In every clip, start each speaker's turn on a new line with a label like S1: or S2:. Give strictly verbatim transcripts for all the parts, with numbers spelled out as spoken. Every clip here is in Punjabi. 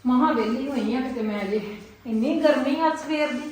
S1: ਮਹਾ ਵੇਲੀ ਹੋਈ ਆ ਕਿਤੇ ਮੈਂ ਜੇ ਇੰਨੀ ਗਰਮੀ ਆ ਸਵੇਰ ਦੀ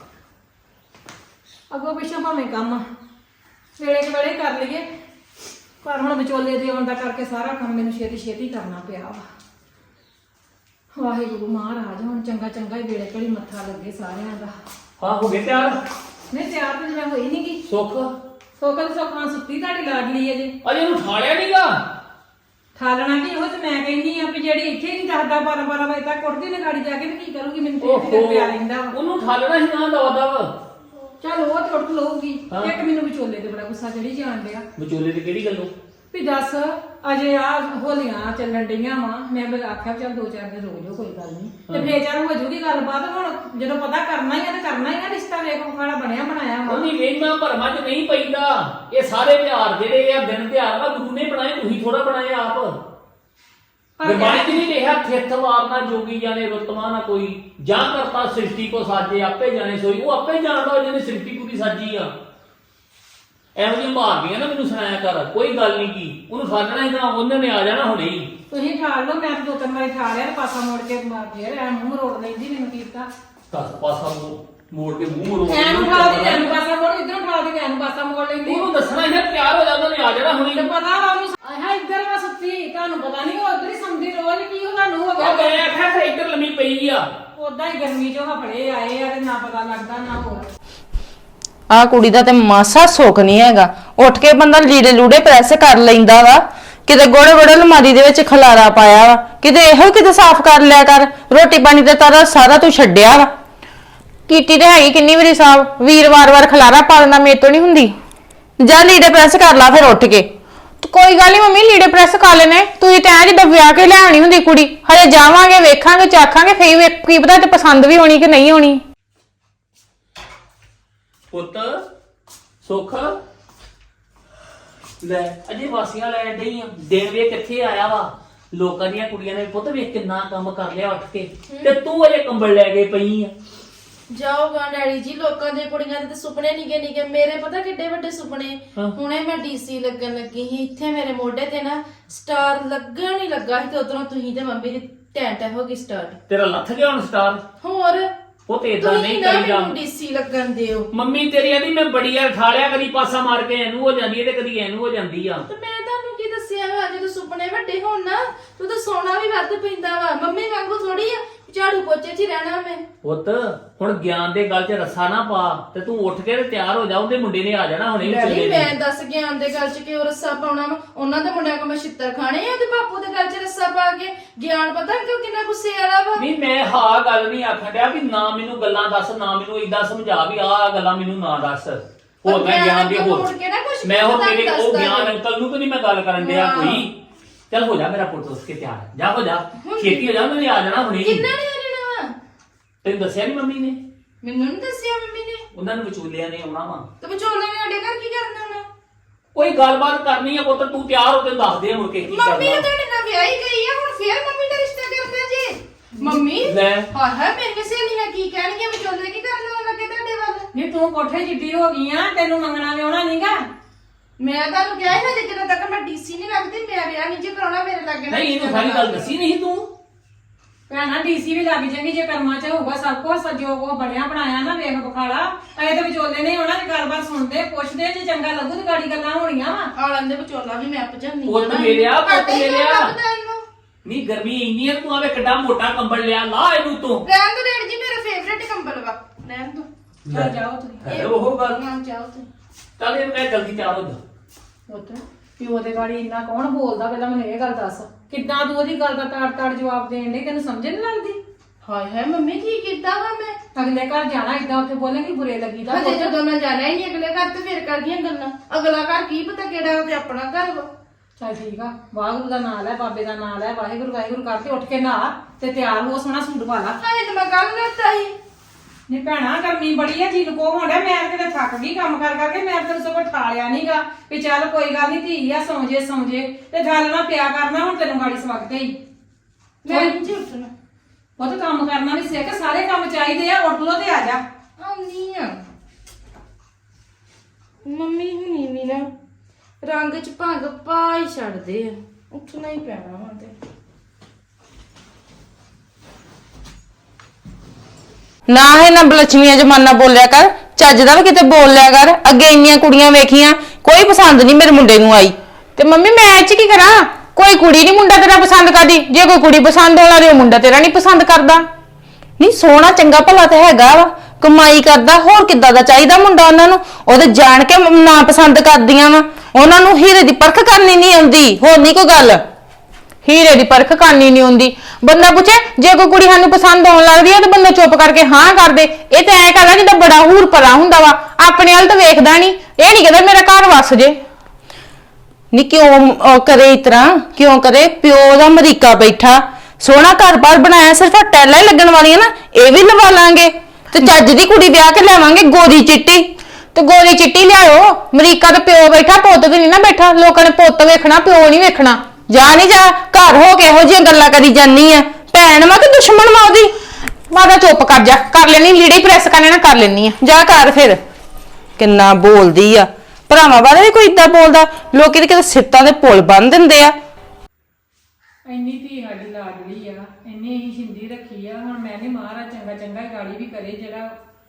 S1: ਅੱਗੋਂ ਪਿੱਛੋਂ ਭਾਵੇਂ ਕੰਮ ਵੇਲੇ ਕੁ ਵੇਲੇ ਕਰ ਲਈਏ ਪਰ ਹੁਣ ਵਿਚੋਲੇ ਦੇ ਆਉਣ ਦਾ ਕਰਕੇ ਸਾਰਾ ਕੰਮ ਮੈਨੂੰ ਛੇਤੀ ਛੇਤੀ ਕਰਨਾ ਪਿਆ ਵਾ। ਵਾਹਿਗੁਰੂ ਮਹਾਰਾਜ ਹੁਣ ਚੰਗਾ ਚੰਗਾ ਹੀ ਵੇਲੇ ਘੜੀ ਮੱਥਾ ਲੱਗੇ ਸਾਰਿਆਂ ਦਾ।
S2: ਹਾਂ ਹੋ ਗਏ ਤਿਆਰ?
S1: ਨਹੀਂ ਤਿਆਰ ਤਾਂ ਜਿਵੇਂ ਹੋਈ ਨੀ ਗੀ।
S2: ਸੁੱਖ
S1: ਸੋਕਲ ਸੋਕਾਂ ਸੁੱਤੀ ਤੁਹਾਡੀ ਲਾਡਲੀ ਅਜੇ
S2: ਅਜੇ ਇਹਨੂੰ ਠਾਲਿਆ ਨਹੀਂਗਾ।
S1: ਠਾਲਣਾ ਕੀ ਉਹ ਤੇ ਮੈਂ ਕਹਿੰਦੀ ਆ ਵੀ ਜਿਹੜੀ ਇੱਥੇ ਨਹੀਂ ਦੱਸਦਾ ਬਾਰਾਂ ਬਾਰਾਂ ਵਜੇ ਤੱਕ ਉੱਠਦੀ ਨੇ ਗਾੜੀ ਜਾ ਕੇ ਤੇ ਕੀ ਕਰੂਗੀ ਮੈਨੂੰ ਤੇ ਇੱਥੇ ਪਿਆ ਰਹਿੰਦਾ ਵਾ।
S2: ਉਹਨੂੰ ਠਾਲਣਾ ਹੀ ਨਾ ਦਵਾ ਦਵ।
S1: ਚੱਲ ਉਹ ਤੇ ਉੱਠ ਲਊਗੀ। ਇੱਕ ਮੈਨੂੰ ਵਿਚੋਲੇ ਤੇ ਬੜਾ ਗੁੱਸਾ ਚੜੀ ਜਾਣ ਡਿਆ।
S2: ਵਿਚੋਲੇ ਤੇ ਕਿਹੜੀ ਗੱਲੋਂ?
S1: ਵੀ ਦੱਸ ਅਜੇ ਆ ਹੋਲੀਆਂ ਚੱਲਣ ਡਈਆਂ ਵਾ ਮੈਂ ਬਸ ਆਖਿਆ ਚੱਲ ਦੋ ਚਾਰ ਦਿਨ ਰੋ ਜਾਓ ਕੋਈ ਗੱਲ ਨਹੀਂ ਤੇ ਫੇਰ ਚੱਲ ਹੋ ਜੂਗੀ ਗੱਲਬਾਤ। ਹੁਣ ਜਦੋਂ ਪਤਾ ਕਰਨਾ ਹੀ ਆ ਤੇ ਕਰਨਾ ਹੀ ਆ ਰਿਸ਼ਤਾ ਵੇਖ ਖਾਣਾ ਬਣਿਆ ਬਣਾਇਆ ਵਾ।
S2: ਉਹਦੀ ਵੇਖਣਾ ਭਰਮਾਂ ਚ ਨਹੀਂ ਪੈਂਦਾ। ਇਹ ਸਾਰੇ ਤਿਉਹਾਰ ਜਿਹੜੇ ਆ ਦਿਨ ਤਿਉਹਾਰ ਵਾ ਗੁਰੂ ਨੇ ਬਣਾਏ ਤੁਸੀਂ ਥੋੜਾ ਬਣਾਏ ਆਪ। ਗੁਰਬਾਣੀ ਚ ਨਹੀਂ ਲਿਖਿਆ ਥਿੱਥ ਵਾਰਨਾ ਜੋਗੀ ਜਾਣੇ ਰੁਤਮਾ ਨਾ ਕੋਈ ਜਾਂ ਕਰਤਾ ਸ੍ਰਿਸ਼ਟੀ ਕੋ ਸਾਜੇ ਆਪੇ ਜਾਣੇ ਸੋਈ। ਉਹ ਆਪੇ ਜਾਣਦਾ ਜਿਹਨੇ ਸ੍ਰਿਸ਼ਟੀ ਪੂਰੀ ਸਾਜੀ ਆ। ਇਹੋ ਜਿਹੀ ਮਾਰਦੀਆਂ ਨਾ ਮੈਨੂੰ ਸੁਣਾਇਆ ਕਰ ਕੋਈ ਗੱਲ ਨਹੀਂ ਕੀ ਉਹਨੂੰ ਸਾਜਣਾ ਹੀ ਨਾ ਉਹਨਾਂ ਨੇ ਆ ਜਾਣਾ ਹੁਣੇ ਹੀ।
S1: ਤੁਸੀਂ ਠਾਲ ਲਓ ਮੈਂ ਦੋ ਤਿੰਨ ਵਾਰੀ ਠਾਲਿਆ ਪਾਸਾ ਮੋੜ ਕੇ ਫੇਰ ਐ ਮੂੰਹ ਰੋੜ ਲੈਂਦੀ ਮੈਨੂੰ ਕੀਤਾ
S2: ਦਸ ਪਾਸਾ ਮੋੜ ਕੇ ਮੂੰਹ ਰੋੜ
S1: ਐਨੂੰ ਠਾਲਦੀ ਐਨੂੰ ਪਾਸਾ ਮੋੜ ਇਧਰੋਂ ਠਾਲਦੀ ਐਨੂੰ ਪਾਸਾ ਮੋੜ ਲੈਂਦੀ।
S2: ਉਹਨੂੰ ਦੱਸਣਾ ਇਹ ਤਿਆਰ ਹੋ ਜਾਂਦਾ ਨੇ ਆ ਜਾਣਾ ਹੁਣੇ।
S1: ਤੇ ਪਤਾ ਵਾ ਉਹਨੂੰ ਆਹ ਇੱਧਰ ਵਾ ਸੁੱਤੀ ਤੁਹਾਨੂੰ ਪਤਾ ਨਹੀਂ ਉਹ ਉਧਰ ਹੀ ਸੌਂਦੀ ਰੋਜ਼ ਕੀ ਉਹਦਾ ਨੂੰ ਹੋ ਗਿਆ।
S2: ਮੈਂ ਆਖਿਆ ਫਿਰ ਇੱਧਰ ਲੰਮੀ ਪਈ ਆ।
S1: ਉਦਾਂ ਹੀ ਗਰਮੀ ਚੋਂ ਹਫੜੇ ਆਏ ਆ ਤੇ ਨਾ ਪਤਾ ਲੱਗਦਾ ਨਾ ਹੋਰ।
S3: ਆ ਕੁੜੀ ਦਾ ਤੇ ਮਾਸਾ ਸੁੱਖ ਨਹੀਂ ਹੈਗਾ। ਉੱਠ ਕੇ ਬੰਦਾ ਲੀੜੇ ਲੂੜੇ ਪ੍ਰੈਸ ਕਰ ਲੈਂਦਾ ਵਾ ਕਿਤੇ ਗੋੜੇ ਗੋੜੇ ਅਲਮਾਰੀ ਦੇ ਵਿੱਚ ਖਲਾਰਾ ਪਾਇਆ ਵਾ ਕਿਤੇ ਇਹੋ ਕਿਤੇ ਸਾਫ਼ ਕਰ ਲਿਆ ਕਰ। ਰੋਟੀ ਪਾਣੀ ਤੇ ਤਾਰਾ ਸਾਰਾ ਤੂੰ ਛੱਡਿਆ ਵਾ। ਕੀਤੀ ਤੇ ਹੈਗੀ ਕਿੰਨੀ ਵਾਰੀ ਸਾਫ਼ ਵੀਰ ਵਾਰ ਵਾਰ ਖਲਾਰਾ ਪਾ ਦਿੰਦਾ ਮੇਰੇ ਤੋਂ ਨਹੀਂ ਹੁੰਦੀ। ਜਾ ਲੀੜੇ ਪ੍ਰੈਸ ਕਰ ਲਾ ਫਿਰ ਉੱਠ ਕੇ। ਕੋਈ ਗੱਲ ਨਹੀਂ ਮੰਮੀ ਲੀੜੇ ਪ੍ਰੈਸ ਕਰ ਲੈਣੇ ਤੁਸੀਂ ਤਾਂ ਐ ਜਿੱਦਾਂ ਵਿਆਹ ਕੇ ਲਿਆਉਣੀ ਹੁੰਦੀ ਕੁੜੀ। ਹਜੇ ਜਾਵਾਂਗੇ ਵੇਖਾਂਗੇ ਚਾਖਾਂਗੇ ਫੇਰ ਕੀ ਪਤਾ ਤੇ ਪਸੰਦ ਵੀ ਹੋਣੀ ਕਿ ਨਹੀਂ ਹੋਣੀ।
S2: ਪੁੱਤ ਸੁੱਖ ਲੈ ਅਜੇ ਵਾਸੀਆਂ ਲੈ ਡਈ ਆ। ਦਿਨ ਵੇ ਕਿੱਥੇ ਆਇਆ ਵਾ। ਲੋਕਾਂ ਦੀਆਂ ਕੁੜੀਆਂ ਨੇ ਪੁੱਤ ਵੇਖ ਕਿੰਨਾ ਕੰਮ ਕਰ ਲਿਆ ਉੱਠ ਕੇ ਤੇ ਤੂੰ ਅਜੇ ਕੰਬਲ ਲੈ ਕੇ ਪਈ ਆ।
S4: ਜਾਓਗਾ ਡੈਡੀ ਜੀ ਲੋਕਾਂ ਦੇ ਕੁੜੀਆਂ ਦੇ ਤੇ ਸੁਪਨੇ ਨਿੱਕੇ ਨਿੱਕੇ ਮੇਰੇ ਪਤਾ ਕਿੱਡੇ ਵੱਡੇ ਸੁਪਨੇ। ਹੁਣੇ ਮੈਂ ਡੀਸੀ ਲੱਗਣ ਲੱਗੀ ਸੀ ਇੱਥੇ ਮੇਰੇ ਮੋਢੇ ਤੇ ਨਾ ਸਟਾਰ ਲੱਗਣ ਹੀ ਲੱਗਾ ਸੀ ਤੇ ਉਧਰੋਂ ਤੁਸੀਂ ਤੇ ਮੰਮੀ ਦੀ ਟੈਂਟ ਹੋ ਗਈ ਸਟਾਰਟ।
S2: ਤੇਰਾ ਲੱਥ ਗਿਆ ਹੁਣ ਸਟਾਰ।
S4: ਹੋਰ
S2: ਉਹ ਤੇ ਇਦਾਂ ਨਹੀਂ ਕਰੀਦਾ।
S4: ਤੁਸੀਂ ਡੀਸੀ ਲੱਗਣ ਦਿਓ।
S2: ਮੰਮੀ ਤੇਰੀ ਆਂਦੀ ਮੈਂ ਬੜੀ ਆ ਠਾਲਿਆ ਕਦੀ ਪਾਸਾ ਮਾਰ ਕੇ ਇਹਨੂੰ ਹੋ ਜਾਂਦੀ ਹੈ ਤੇ ਕਦੀ ਇਹਨੂੰ ਹੋ ਜਾਂਦੀ ਆ।
S4: ਤੇ ਮੈਂ ਤੁਹਾਨੂੰ ਕੀ ਦੱਸਿਆ ਵਾ ਜਦੋਂ ਸੁਪਨੇ ਵੱਡੇ ਹੋਣ ਨਾ ਤੂੰ ਤਾਂ ਸੋਨਾ ਵੀ ਵੱਧ ਪੈਂਦਾ ਵਾ। ਮੰਮੀ ਵਾਂਗੂ ਥੋੜੀ ਆ ਝਾੜੂ ਪੋਚੇ 'ਚ ਹੀ ਰਹਿਣਾ ਮੈਂ।
S2: ਪੁੱਤ ਹੁਣ ਗਿਆਨ ਦੇ ਗੱਲ 'ਚ ਰੱਸਾ ਨਾ ਪਾ ਤੇ ਤੂੰ ਉੱਠ ਕੇ ਤੇ ਤਿਆਰ ਹੋ ਜਾ। ਉਹਦੇ ਮੁੰਡੇ ਨੇ ਆ ਜਾਣਾ ਹੁਣੇ
S4: ਡੈਡੀ ਮੈਂ ਦੱਸ ਗਿਆਨ ਦੇ ਗੱਲ 'ਚ ਕਿਉਂ ਰੱਸਾ ਪਾਉਣਾ ਵਾ। ਉਹਨਾਂ ਦੇ ਮੁੰਡਿਆਂ ਕੋਲ ਮੈਂ ਛਿੱਤਰ ਖਾਣੇ ਆ ਤੇ ਬਾਪੂ ਦੇ ਗੱਲ 'ਚ ਰੱਸਾ ਪਾ ਕੇ। ਗਿਆਨ ਪਤਾ ਕਿਉਂ ਕਿੰਨਾ ਗੁੱਸੇ ਵਾਲਾ ਵਾ।
S2: ਨਹੀਂ ਮੈਂ ਹਾਂ ਗੱਲ ਨਹੀਂ ਆਖਣ ਡਿਆ ਵੀ ਨਾ ਮੈਨੂੰ ਗੱਲਾਂ ਦੱਸ ਨਾ ਮੈਨੂੰ ਏਦਾਂ ਸਮਝਾ ਵੀ ਆਹ ਗੱਲਾਂ ਮੈਨੂੰ ਨਾ ਦੱਸ। ਹੋਰ ਮੈਂ ਗਿਆਨ ਦੀ ਹੋਰ ਮੈਂ ਹੋਰ ਤੇਰੇ ਉਹ ਗਿਆਨ ਅੰਕਲ ਨੂੰ ਤਾਂ ਨਹੀਂ ਮੈਂ ਗੱਲ ਕਰਨ ਡਿਆ ਕੋਈ। ਚੱਲ ਹੋ ਜਾ ਮੇਰਾ ਪੁੱਤ ਉਸ ਕੇ ਤਿਆਰ ਜਾ ਹੋ ਜਾ ਛੇਤੀ ਹੋ ਜਾ ਉਹਨੇ ਆ ਜਾਣਾ ਹੁਣੇ।
S4: ਕਿੰਨਾ ਨੇ ਆ ਜਾਣਾ ਵਾ?
S2: ਤੈਨੂੰ ਦੱਸਿਆ ਨਹੀਂ ਮੰਮੀ ਨੇ?
S4: ਮੈਨੂੰ ਨਹੀਂ ਦੱਸਿਆ ਮੰਮੀ ਨੇ।
S2: ਉਹਨਾਂ ਨੂੰ ਵਿਚੋਲਿਆਂ ਨੇ ਆਉਣਾ ਵਾ
S4: ਤੇ ਵਿਚੋਲੇ ਨੇ ਸਾਡੇ ਘਰ ਕੀ ਕਰਨਾ ਵਾ?
S2: ਕੋਈ ਗੱਲਬਾਤ ਕਰਨੀ ਆ ਪੁੱਤ ਤੂੰ ਤਿਆਰ ਹੋ ਤੇ ਦੱਸ ਦੇ ਮੁੜ ਕੇ ਕੀ ਕਰਨਾ।
S4: ਮੰਮੀ ਤੁਹਾਡੇ ਨਾਲ ਵਿਆਹੀ ਗਈ ਆ ਹੁਣ ਫੇਰ ਮੰਮੀ ਦਾ ਰਿਸ਼ਤਾ ਕਰਨਾ ਜੀ। ਮੰਮੀ
S2: ਲੈ
S4: ਹਾਂ ਹਾਂ ਮੇਰੀਆਂ ਸਹੇਲੀਆਂ ਕੀ ਕਹਿਣਗੀਆਂ ਵਿਚੋਲੇ ਕੀ ਕਰਨਾ ਲੱਗੇ ਤੁਹਾਡੇ ਵੱਲ।
S1: ਨਹੀਂ ਤੂੰ ਕੋਠੇ ਜਿੱਡੀ ਹੋ ਗਈ ਆ ਤੈਨੂੰ ਮੰਗਣਾ ਵਿਆਹਣਾ ਨਹੀਂਗਾ।
S4: ਮੈਂ ਤੁਹਾਨੂੰ ਕਿਹਾ ਸੀ ਨਾ ਜਦੋਂ ਤੱਕ ਮੈਂ ਡੀਸੀ ਨਹੀਂ ਲੱਗਦੀ ਮੈਂ ਵਿਆਹ ਨਹੀਂ ਜੇ ਕਰਾਉਣਾ ਮੇਰੇ ਲੱਗੇ
S2: ਨਹੀਂ ਇਹਨੂੰ ਸਾਰੀ ਗੱਲ ਦੱਸੀ ਨਹੀਂ ਤੂੰ।
S1: ਭੈਣਾ ਡੀਸੀ ਵੀ ਲੱਗ ਜਾਏਗੀ ਜੇ ਕਰਮਾਂ 'ਚ ਹੋਊਗਾ ਸਭ ਕੁਝ ਜੋ ਕੋ ਬਣਿਆ ਬਣਾਇਆ ਨਾ ਵੇਖ ਬਖਾਲਾ। ਐ ਤੇ ਵਿਚੋਲੇ ਨੇ ਉਹਨਾਂ ਦੀ ਗੱਲਬਾਤ ਸੁਣਦੇ ਪੁੱਛਦੇ ਜੇ ਚੰਗਾ ਲੱਗੂ ਤੇ ਗਾੜੀ ਗੱਲਾਂ ਹੋਣੀਆਂ ਵਾ।
S4: ਆਲਣ ਦੇ ਵਿਚੋਲਾ ਵੀ ਮੈਂ ਆਪ ਜਾਂਦੀ
S2: ਪੁੱਤ ਮੇਰਿਆ ਪੁੱਤ ਮੇਰਿਆ ਨਹੀਂ ਗਰਮੀ ਇੰਨੀ ਆ ਤੂੰ ਆਵੇ ਕਿੱਡਾ ਮੋਟਾ ਕੰਬਲ ਲਿਆ ਲਾ ਇਹਨੂੰ ਤੂੰ।
S4: ਰਹਿਣ ਦੋ ਡੈਡੀ ਜੀ ਮੇਰਾ ਫੇਵਰੇਟ ਕੰਬਲ ਵਾ ਰਹਿਣ ਦੋ।
S1: ਚੱਲ ਜਾਓ ਤੁਸੀਂ।
S2: ਇਹ ਉਹ ਗੱਲ
S4: ਹਾਂ ਜਾਓ ਤੁਸੀਂ।
S2: ਚੱਲ ਇਹ ਮੈਂ ਜਲਦੀ ਤਿਆਰ ਹੋ ਜਾ।
S1: ਪੁੱਤ ਪਿਓ ਦੇ ਗਾੜੀ ਇੰਨਾ ਕੌਣ ਬੋਲਦਾ ਪਹਿਲਾਂ ਮੈਨੂੰ ਇਹ ਗੱਲ ਦੱਸ। ਕਿੱਦਾਂ ਤੂੰ ਉਹਦੀ ਗੱਲ ਦਾ ਤਾੜ ਤਾੜ ਜਵਾਬ ਦੇਣ ਡਈ ਤੈਨੂੰ ਸਮਝ ਨਹੀਂ ਲੱਗਦੀ।
S4: ਹਾਏ ਹਾਏ ਮੰਮੀ ਕੀ ਕੀਤਾ ਵਾ ਮੈਂ।
S1: ਅਗਲੇ ਘਰ ਜਾਣਾ ਇਦਾਂ ਉੱਥੇ ਬੋਲੇਂਗੀ ਬੁਰੇ ਲੱਗੀਦਾ।
S4: ਹਜੇ ਜਦੋਂ ਮੈਂ ਜਾਣਾ ਹੀ ਨਹੀਂ ਅਗਲੇ ਘਰ ਤੇ ਫੇਰ ਕਰਦੀਆਂ ਗੱਲਾਂ। ਅਗਲਾ ਘਰ ਕੀ ਪਤਾ ਕਿਹੜਾ ਉਹ ਤੇ ਆਪਣਾ ਘਰ ਵਾ।
S1: ਚੱਲ ਠੀਕ ਆ ਵਾਹਿਗੁਰੂ ਦਾ ਨਾਮ ਲੈ ਬਾਬੇ ਦਾ ਨਾਮ ਲੈ ਵਾਹਿਗੁਰੂ ਵਾਹਿਗੁਰੂ ਕਰਕੇ ਉੱਠ ਕੇ ਨਹਾ ਤੇ ਤਿਆਰ ਹੋ ਸੋਹਣਾ ਸੂਟ ਪਾ ਲਾ।
S4: ਹਾਏ ਤੇ ਮੈਂ ਕੱਲ ਨਹਾਤਾ ਸੀ।
S1: ਨੀ ਭੈਣਾ ਗਰਮੀ ਬੜੀ ਆ ਜੀ ਨੂੰ ਕੋ ਹੋਣਾ ਮੈਂ ਕਿਤੇ ਥੱਕ ਗਈ ਕੰਮ ਕਰ ਕਰਕੇ ਮੈਂ ਤੈਨੂੰ ਸਗੋਂ ਠਾਲਿਆ ਨਹੀਂਗਾ ਵੀ ਚੱਲ ਕੋਈ ਗੱਲ ਨਹੀਂ ਧੀ ਆ ਸੌਂ ਜੇ ਸੌਂ ਜੇ ਤੇ ਗੱਲ ਨਾ ਪਿਆ ਕਰਨਾ ਹੁਣ ਤੈਨੂੰ ਗਾੜੀ ਸਵਖਤੇ ਹੀ।
S4: ਮੈਂ ਨਹੀਂ ਉੱਠਣਾ।
S1: ਉਹ ਤਾਂ ਕੰਮ ਕਰਨਾ ਵੀ ਸਿੱਖ ਸਾਰੇ ਕੰਮ ਚਾਹੀਦੇ ਆ ਉੱਠ ਲੋ ਤੇ ਆ ਜਾ।
S4: ਆਉਣੀ ਆ ਮੰਮੀ ਹੁਣੀ ਵੀ ਨਾ ਰੰਗ ਚ ਭੰਗ ਪਾ ਹੀ ਛੱਡਦੇ ਆ। ਉੱਠਣਾ ਹੀ ਪੈਣਾ ਵਾ ਤੇ
S3: ਨਾ ਹੈ ਨਾ ਬਲਛਮੀਆਂ ਜਮਾਨਾ ਬੋਲਿਆ ਕਰ, ਚੱਜ ਦਾ ਵੀ ਕਿਤੇ ਬੋਲ ਲਿਆ ਕਰ। ਅੱਗੇ ਇੰਨੀਆਂ ਕੁੜੀਆਂ ਵੇਖੀਆਂ, ਕੋਈ ਪਸੰਦ ਨਹੀਂ ਮੇਰੇ ਮੁੰਡੇ ਨੂੰ ਆਈ। ਤੇ ਮੰਮੀ ਮੈਂ ਇਹ ਚ ਕੀ ਕਰਾਂ? ਕੋਈ ਕੁੜੀ ਨਹੀਂ ਮੁੰਡਾ ਤੇਰਾ ਪਸੰਦ ਕਰਦੀ। ਜੇ ਕੋਈ ਕੁੜੀ ਪਸੰਦ ਹੋਣਾ ਤੇ ਉਹ ਮੁੰਡਾ ਤੇਰਾ ਨਹੀਂ ਪਸੰਦ ਕਰਦਾ। ਨਹੀਂ ਸੋਹਣਾ ਚੰਗਾ ਭਲਾ ਤੇ ਹੈਗਾ ਵਾ, ਕਮਾਈ ਕਰਦਾ, ਹੋਰ ਕਿੱਦਾਂ ਦਾ ਚਾਹੀਦਾ ਮੁੰਡਾ ਉਹਨਾਂ ਨੂੰ? ਉਹਦੇ ਜਾਣ ਕੇ ਨਾ ਪਸੰਦ ਕਰਦੀਆਂ ਵਾ, ਉਹਨਾਂ ਨੂੰ ਹੀਰੇ ਦੀ ਪਰਖ ਕਰਨੀ ਨਹੀਂ ਆਉਂਦੀ। ਹੋਰ ਨਹੀਂ ਕੋਈ ਗੱਲ, ਹੀਰੇ ਦੀ ਪਰਖ ਕਰਨੀ ਨਹੀਂ ਆਉਂਦੀ। ਬੰਦਾ ਪੁੱਛੇ ਜੇ ਕੋਈ ਕੁੜੀ ਸਾਨੂੰ ਪਸੰਦ ਆਉਣ ਲੱਗਦੀ ਹੈ ਤੇ ਬੰਦਾ ਚੁੱਪ ਕਰਕੇ ਹਾਂ ਕਰ ਦੇ। ਇਹ ਤੇ ਐ ਕਰਦਾ ਜਿੱਦਾਂ ਬੜਾ ਹੂਰ ਭਰਾ ਹੁੰਦਾ ਵਾ, ਆਪਣੇ ਵੱਲ ਤਾਂ ਵੇਖਦਾ ਨਹੀਂ। ਇਹ ਨਹੀਂ ਕਹਿੰਦਾ ਮੇਰਾ ਘਰ ਵਸ ਜੇ। ਨਹੀਂ ਕਿਉਂ ਕਰੇ ਇਸ ਤਰ੍ਹਾਂ, ਕਿਉਂ ਕਰੇ? ਪਿਓ ਦਾ ਅਮਰੀਕਾ ਬੈਠਾ, ਸੋਹਣਾ ਘਰ-ਬਾਰ ਬਣਾਇਆ, ਸਿਰਫ ਟੈਲਾਂ ਹੀ ਲੱਗਣ ਵਾਲੀਆਂ ਨਾ, ਇਹ ਵੀ ਲਵਾ ਲਾਂਗੇ ਤੇ ਚੱਜ ਦੀ ਕੁੜੀ ਵਿਆਹ ਕੇ ਲਿਆਵਾਂਗੇ ਗੋਰੀ ਚਿੱਟੀ। ਤੇ ਗੋਰੀ ਚਿੱਟੀ ਲਿਆਓ। ਅਮਰੀਕਾ ਤੇ ਪਿਓ ਬੈਠਾ, ਪੁੱਤ ਤੇ ਨਹੀਂ ਨਾ ਬੈਠਾ। ਲੋਕਾਂ ਨੇ ਪੁੱਤ ਵੇਖਣਾ, ਪਿਓ ਨਹੀਂ ਵੇਖਣਾ। ਜਾ ਨਹੀਂ ਜਾ, ਘਰ ਹੋ ਕੇ ਇਹੋ ਜਿਹੀਆਂ ਗੱਲਾਂ ਕਰੀ ਜਾਨੀ ਆ। ਭੈਣ ਵਾ ਕਿ ਦੁਸ਼ਮਣ ਵਾ ਉਹਦੀ? ਮਾਦਾ ਚੁੱਪ ਕਰ ਜਾ, ਕਰ ਲੈਣੀ ਲੀੜੇ ਪ੍ਰੈਸ ਕਰਨੇ ਨਾ ਕਰ ਲੈਣੀ ਆ। ਜਾ ਕਰ ਫਿਰ। ਕਿੰਨਾ ਬੋਲਦੀ ਆ, ਭਰਾਵਾਂ ਬਾਰੇ ਵੀ ਕੋਈ ਏਦਾਂ ਬੋਲਦਾ? ਲੋਕੀ ਤੇ ਕਿਤੇ ਸਿੱਤਾਂ ਦੇ ਪੁੱਲ ਬੰਨ ਦਿੰਦੇ ਆ।
S1: ਇੰਨੀ ਧੀ ਸਾਡੀ ਲਾਡਲੀ ਆ, ਇੰਨੀ ਹੀ ਸ਼ਿੰਦੀ ਰੱਖੀ ਆ। ਹੁਣ ਮੈਂ ਨਹੀਂ ਮਹਾਰਾਜ ਚੰਗਾ ਚੰਗਾ ਹੀ ਗਾੜੀ ਵੀ ਕਰੇ, ਜਿਹੜਾ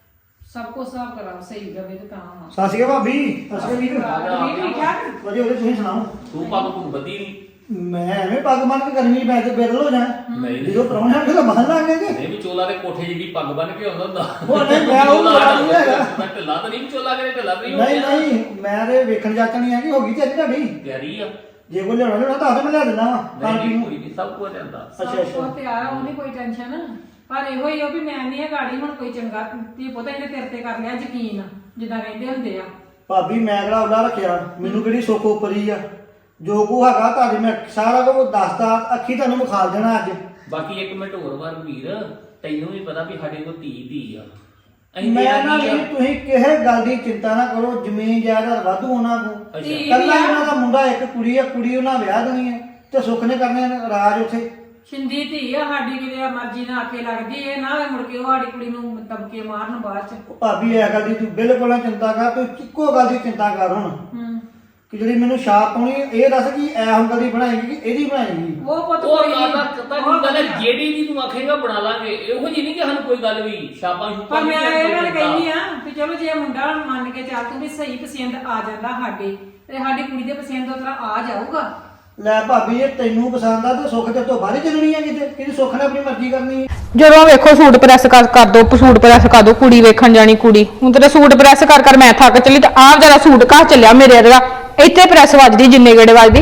S1: ਸਭ ਕੁਝ ਹਿਸਾਬ ਕਰਾ ਸਹੀ ਰਵੇ ਤੇ ਤਾਂ ਵਾ।
S5: ਸਤਿ ਸ਼੍ਰੀ ਅਕਾਲ ਭਾਬੀ। ਸਤਿ ਸ਼੍ਰੀ ਅਕਾਲ ਵੀਰ।
S1: ਠੀਕ ਠਾਕ?
S5: ਵਧੀਆ ਵਧੀਆ, ਤੁਸੀਂ ਸੁਣਾਓ?
S2: ਤੂੰ ਪੱਗ ਪੁੱਗ ਬੱਧੀ ਨਹੀਂ?
S5: ਮੈਂ ਐਵੇਂ ਪੱਗ ਬੰਨ ਕੇ ਗਰਮੀ ਚ ਬੈ ਕੇ ਬੇਦਲ ਹੋ ਜਾਣਾ।
S2: ਨਹੀਂ
S5: ਜਦੋਂ ਪ੍ਰਾਹੁਣੇ ਆਣਗੇ ਤਾਂ ਬੰਨ ਲਾਂਗੇ ਕਿ
S2: ਨਹੀਂ, ਵਿਚੋਲਾ ਦੇ ਕੋਠੇ ਜਿਹੜੀ ਪੱਗ ਬੰਨ ਕੇ ਆਉਂਦਾ ਹੁੰਦਾ।
S5: ਉਹ ਨਹੀਂ, ਮੈਂ ਉਹ
S2: ਵਿਚੋਲਾ
S5: ਨਹੀਂ ਹੈਗਾ।
S2: ਮੈਂ ਢਿੱਲਾ ਤਾਂ ਨਹੀਂ ਵਿਚੋਲਾ ਕਰੇ, ਢਿੱਲਾ ਤਾਂ ਨਹੀਂ ਹੋ
S5: ਨਹੀਂ
S2: ਗਿਆ।
S5: ਨਹੀਂ, ਮੈਂ ਤੇ ਵੇਖਣ ਜਾਚਣੀ ਆ ਕਿ ਹੋ ਗਈ ਤੇ ਤੁਹਾਡੀ।
S2: ਤਿਆਰੀ ਆ?
S5: ਜੇ ਕੋਈ ਲਿਆਉਣਾ ਲਿਆਉਣਾ ਤਾਂ ਮੈਂ ਲਿਆ ਦਿੰਦਾ ਵਾ ਖਾਣ
S2: ਨਹੀਂ
S5: ਪੀਣ
S2: ਨਹੀਂ,
S5: ਨੂੰ।
S2: ਕੋਈ ਨਹੀਂ, ਸਭ ਕੁਝ ਜਾਂਦਾ।
S5: ਅੱਛਾ
S1: ਉਹ
S5: ਅੱਛਾ।
S1: ਤਿਆਰ ਆ, ਉਹ ਨਹੀਂ ਕੋਈ ਟੈਨਸ਼ਨ। ਪਰ ਇਹੋ ਹੀ ਆ ਵੀ ਮੈਂ ਨਹੀਂ ਆ ਗਾੜੀ ਹੁਣ ਕੋਈ ਚੰਗਾ ਤੀ ਪਤਾ ਇਹਨੇ ਤੇਰੇ ਤੇ ਕਰ ਲਿਆ ਯਕੀਨ, ਜਿੱਦਾਂ ਕਹਿੰਦੇ ਹੁੰਦੇ ਆ।
S5: ਭਾਬੀ ਮੈਂ ਕਿਹੜਾ ਉਹਦਾ ਰੱਖਿਆ, ਮੈਨੂੰ ਕਿਹੜੀ ਸੁੱਖ ਉਪਰੀ ਆ। ਜੋ ਕੋ ਹੈਗਾ ਤੁਹਾਡੇ ਮੈਂ ਸਾਰਾ ਕੁਝ ਦੱਸਦਾ, ਅੱਖੀ ਤੁਹਾਨੂੰ ਵਿਖਾ ਦੇਣਾ ਅੱਜ।
S2: ਬਾਕੀ ਇੱਕ ਮਿੰਟ ਹੋਰ ਵਾਰ ਵੀਰ, ਤੈਨੂੰ ਵੀ ਪਤਾ ਵੀ ਸਾਡੇ ਕੋਲ ਧੀ ਧੀ ਆ। ਅਸੀਂ
S5: ਮੈਂ
S2: ਤੇਰਾ
S5: ਨਾ
S2: ਕੀ ਆ?
S5: ਨਹੀਂ, ਤੁਸੀਂ ਕਿਸੇ ਗੱਲ ਦੀ ਚਿੰਤਾ ਨਾ ਕਰੋ। ਜ਼ਮੀਨ ਜਾਇਦਾਦ ਵਾਧੂ ਉਹਨਾਂ ਕੋ।
S2: ਅੱਛਾ।
S1: ਧੀ
S5: ਕੱਲਾ
S1: ਵੀ ਆ।
S5: ਇਹਨਾਂ ਦਾ ਮੁੰਡਾ, ਇੱਕ ਕੁੜੀ ਆ, ਕੁੜੀ ਉਹਨਾਂ ਵਿਆਹ ਦੇਣੀ ਹੈ ਤੇ ਸੁੱਖ ਨੇ ਕਰਨੇ ਨੇ ਰਾਜ ਉੱਥੇ।
S1: ਸ਼ਿੰਦੀ ਧੀ ਆ ਸਾਡੀ, ਕਿਤੇ ਮਰਜ਼ੀ ਨਾਲ ਆਖੇ ਲੱਗਦੀ। ਇਹ ਨਾ ਹੋਵੇ ਮੁੜ ਕੇ ਉਹ ਸਾਡੀ ਕੁੜੀ ਨੂੰ ਦਬਕੇ ਮਾਰਨ ਬਾਅਦ ਚ।
S5: ਉਹ ਭਾਬੀ ਇਹ ਗੱਲ ਦੀ ਤੂੰ ਬਿਲਕੁਲ ਨਾ ਚਿੰਤਾ ਕਰ, ਤੂੰ ਇੱਕੋ ਗੱਲ ਦੀ ਚਿੰਤਾ ਕਰ ਹੁਣ
S1: ਹੂੰ।
S5: ਕਿ ਜਿਹੜੀ ਮੈਨੂੰ ਛਾਪ ਪਾਉਣੀ ਇਹ ਦੱਸ ਕਿ ਐ ਹੁਣ ਕਦੀ ਬਣਾਏਗੀ ਕਿ ਇਹਦੀ ਬਣਾਏਗੀ।
S1: ਉਹ ਪੁੱਤ
S2: ਉਹ
S1: ਕੋਈ
S2: ਗੱਲ
S1: ਨੀ।
S2: ਦਾ ਪਤਾ ਕੀ ਗੱਲ ਹੈ, ਜਿਹੜੀ ਦੀ ਤੂੰ ਆਖੇਗਾ ਬਣਾ ਲਾਂਗੇ। ਇਹੋ ਜੀ ਨਹੀਂ ਕਿ ਸਾਨੂੰ ਕੋਈ ਗੱਲ ਵੀ ਛਾਪਾਂ ਛੁਪਾਂ
S1: ਪਰ ਮੈਂ
S2: ਨਹੀਂ
S1: ਇਹ ਗੱਲ
S2: ਕੋਈ
S1: ਕਹਿੰਦੀ ਆ ਕਿ ਚਲੋ ਜੇ ਮੁੰਡਾ ਮੰਨ ਕੇ ਚੱਲ ਤੂੰ ਵੀ ਸਹੀ ਪਸੰਦ ਆ ਜਾਂਦਾ ਸਾਡੇ, ਤੇ ਸਾਡੀ ਕੁੜੀ ਦੇ ਪਸੰਦ ਉਹ ਤਰ੍ਹਾਂ ਆ ਜਾਊਗਾ।
S5: ਲੈ ਭਾਬੀ ਇਹ ਤੈਨੂੰ ਪਸੰਦ ਆ ਤੇ ਸੁੱਖ ਤੇ ਤੋਂ ਬਾਹਰ ਚੱਲਣੀ ਆ ਕਿਤੇ, ਕਿਹਦੀ ਸੁੱਖ ਨੇ ਆਪਣੀ ਮਰਜ਼ੀ ਕਰਨੀ ਹੈ।
S3: ਜਦੋਂ ਵੇਖੋ ਸੂਟ ਪ੍ਰੈਸ ਕਰ ਕਰ ਦੋ, ਸੂਟ ਪ੍ਰੈਸ ਕਰ ਦੋ, ਕੁੜੀ ਵੇਖਣ ਜਾਣੀ ਕੁੜੀ। ਹੁਣ ਤੇਰੇ ਸੂਟ ਪ੍ਰੈਸ ਕਰ ਕਰ ਮੈਂ ਥੱਕ ਚੱਲੀ ਤੇ ਆਹ ਜਰਾ ਸੂਟ ਘਰ ਚੱਲਿਆ ਮੇਰੇ ਵਰਗਾ, ਇੱਥੇ ਪ੍ਰੈਸ ਵੱਜਦੀ ਜਿੰਨੇ ਗੇੜੇ ਵੱਜਦੀ।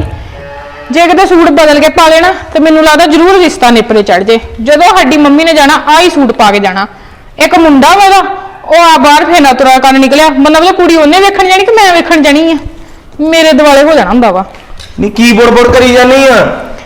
S3: ਜੇ ਕਿਤੇ ਸੂਟ ਬਦਲ ਕੇ ਪਾ ਲੈਣਾ ਤੇ ਮੈਨੂੰ ਲੱਗਦਾ ਜ਼ਰੂਰ ਰਿਸ਼ਤਾ ਨੇਪਰੇ ਚੜ ਜੇ। ਜਦੋਂ ਸਾਡੀ ਮੰਮੀ ਨੇ ਜਾਣਾ ਆਹੀ ਸੂਟ ਪਾ ਕੇ ਜਾਣਾ। ਇੱਕ ਮੁੰਡਾ ਵਾ ਉਹ ਆ ਬਾਹਰ ਫੇਨਾ ਤੁਰਾ ਕਰਨ ਨਿਕਲਿਆ, ਮਤਲਬ ਕੁੜੀ ਉਹਨੇ ਵੇਖਣ ਜਾਣੀ ਕਿ ਮੈਂ ਵੇਖਣ ਜਾਣੀ ਆ। ਮੇਰੇ ਦੁਆਲੇ ਹੋ ਜਾਣਾ ਹੁੰਦਾ ਵਾ।
S6: ਨੀ ਕੀ ਬੁੜਬੁੜ ਕਰੀ ਜਾਨੀ ਆ?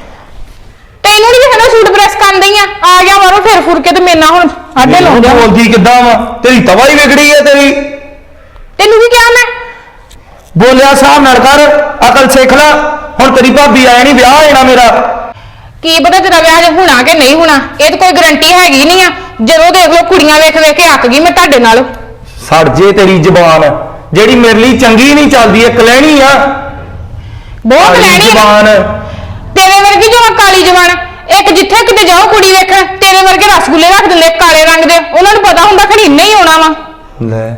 S3: ਤੈਨੂੰ ਨਹੀਂ ਦੇਖਣਾ ਸੂਟ ਪ੍ਰੈਸ ਕਰਨ ਦਈ ਆ? ਆ ਗਿਆ ਮਾਰੋ ਫਿਰ ਫੁਰ ਕੇ ਤੇ ਮੇਰੇ ਨਾਲ ਹੁਣ ਆਡੇ ਲਾਉਂ ਜਾ।
S6: ਬੋਲਦੀ ਕਿੱਦਾਂ ਵਾ? ਤੇਰੀ ਤਵਾ ਹੀ ਵਿਗੜੀ ਆ ਤੇਰੀ।
S3: ਤੈਨੂੰ ਕੀ ਕਿਹਾ ਮੈਂ?
S6: ਬੋਲਿਆ ਹਿਸਾਬ ਨਾਲ ਕਰ, ਅਕਲ ਸਿੱਖ ਲੈ। ਹੁਣ ਤੇਰੀ ਭਾਬੀ ਆਇਆ ਨਹੀਂ, ਵਿਆਹ ਹੋਣਾ ਮੇਰਾ।
S3: ਕੀ ਪਤਾ ਤੇਰਾ ਵਿਆਹ ਜੇ ਹੋਣਾ ਕਿ ਨਹੀਂ ਹੋਣਾ, ਇਹ ਤਾਂ ਕੋਈ ਗਰੰਟੀ ਹੈਗੀ ਨਹੀਂ ਆ। ਜਦੋਂ ਦੇਖ ਲਓ ਕੁੜੀਆਂ ਵੇਖ ਵੇਖ ਕੇ ਅੱਕ ਗਈ ਮੈਂ ਤੁਹਾਡੇ ਨਾਲ।
S6: ਸੜ ਜੇ ਤੇਰੀ ਜ਼ਬਾਨ, ਜਿਹੜੀ ਮੇਰੇ ਲਈ ਚੰਗੀ ਨਹੀਂ ਚੱਲਦੀ, ਇੱਕ ਲੈਣੀ ਆ
S3: ਬਹੁਤ
S6: ਕਾਲੀ
S3: ਲੈਣੀ ਆ।
S6: ਜ਼ਬਾਨ।
S3: ਤੇਰੇ ਵਰਗੀ ਜੋ ਕਾਲੀ ਜਵਾਨ, ਇੱਕ ਜਿੱਥੇ ਕਿਤੇ ਜਾਓ ਕੁੜੀ ਵੇਖਣ ਤੇਰੇ ਵਰਗੇ ਰਸਗੁੱਲੇ ਰੱਖ ਦਿੰਦੇ ਕਾਲੇ ਰੰਗ ਦੇ। ਉਹਨਾਂ ਨੂੰ ਪਤਾ ਹੁੰਦਾ ਖੜੀ ਨਹੀਂ ਆਉਣਾ ਵਾ।
S6: ਲੈ